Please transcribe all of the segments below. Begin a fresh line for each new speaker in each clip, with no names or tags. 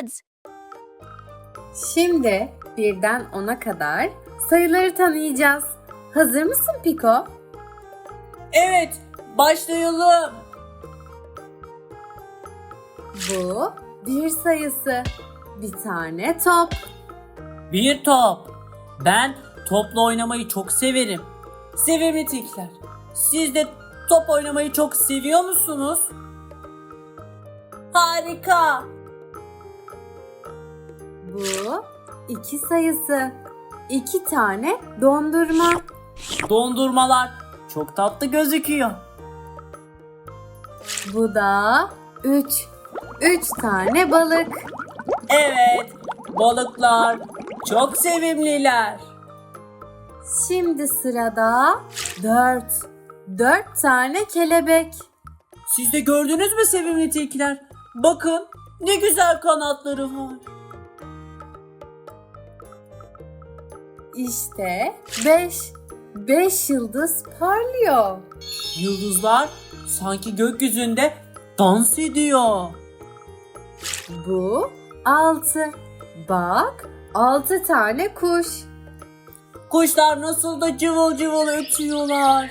kids.
Şimdi birden 10'a kadar sayıları tanıyacağız. Hazır mısın Piko?
Evet, başlayalım.
Bu bir sayısı. Bir tane top.
Bir top. Ben topla oynamayı çok severim. Sevimli tilkiler. Siz de top oynamayı çok seviyor musunuz? Harika.
Bu iki sayısı. İki tane dondurma.
Dondurmalar çok tatlı gözüküyor.
Bu da üç. Üç tane balık.
Evet, balıklar çok sevimliler.
Şimdi sırada dört. Dört tane kelebek.
Siz de gördünüz mü sevimli tilkiler? Bakın ne güzel kanatları var.
İşte beş. Beş yıldız parlıyor.
Yıldızlar sanki gökyüzünde dans ediyor.
Bu 6. Bak 6 tane kuş.
Kuşlar nasıl da cıvıl cıvıl ötüyorlar.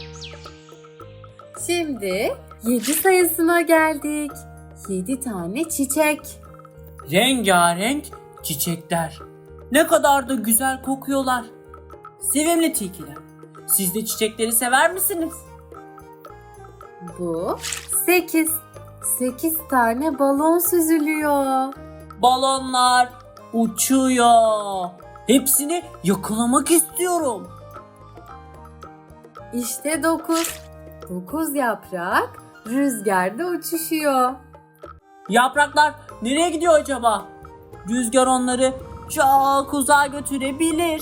Şimdi 7 sayısına geldik. 7 tane çiçek.
Rengarenk çiçekler. Ne kadar da güzel kokuyorlar. Sevimli tilkiler. Siz de çiçekleri sever misiniz?
Bu 8. 8 tane balon süzülüyor.
Balonlar uçuyor. Hepsini yakalamak istiyorum.
İşte 9. 9 yaprak rüzgarda uçuşuyor.
Yapraklar nereye gidiyor acaba? Rüzgar onları çok uzağa götürebilir.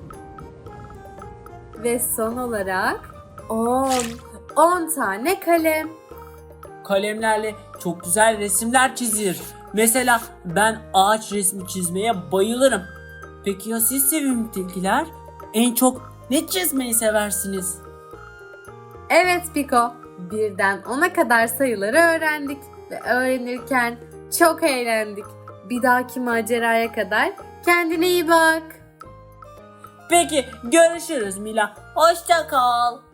Ve son olarak 10. 10 tane kalem.
Kalemlerle çok güzel resimler çizilir. Mesela ben ağaç resmi çizmeye bayılırım. Peki ya siz sevimli tilkiler? En çok ne çizmeyi seversiniz?
Evet Piko, birden 10'a kadar sayıları öğrendik ve öğrenirken çok eğlendik. Bir dahaki maceraya kadar kendine iyi bak.
Peki görüşürüz Mila. Hoşça kal.